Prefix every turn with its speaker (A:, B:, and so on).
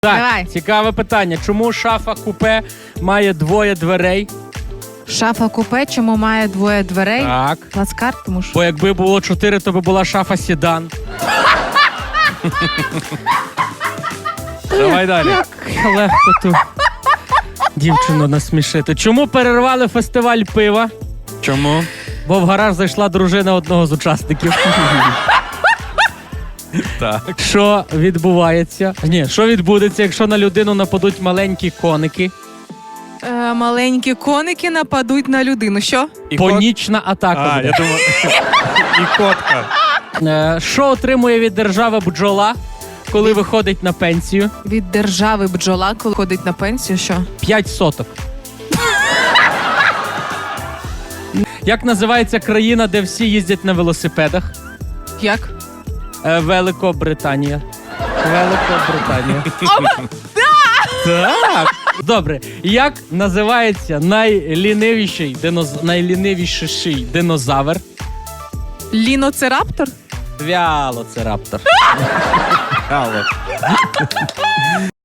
A: Так,
B: Давай.
A: цікаве питання. Чому шафа купе має двоє дверей?
B: Шафа купе, чому має двоє дверей?
A: Так.
B: Плацкарт, тому що...
A: Бо якби було 4, то би була шафа седан. Давай далі. Як легко ту дівчину насмішити. Чому перервали фестиваль пива?
C: Чому?
A: Бо в гараж зайшла дружина одного з учасників.
C: Так.
A: Що відбувається? Ні, що відбудеться, якщо на людину нападуть маленькі коники?
B: Маленькі коники нападуть на людину. Що?
A: Панічна атака
C: А,
A: буде.
C: я думав. І котка.
A: Що отримує від держави бджола, коли виходить на пенсію?
B: Від держави бджола, коли ходить на пенсію, що?
A: 5 соток. Як називається країна, де всі їздять на велосипедах?
B: Як?
A: Великобританія. Великобританія.
C: Так.
A: Добре. Як називається найлінивіший динозавр?
B: Ліноцераптор?
A: Вялоцираптор.
C: Але.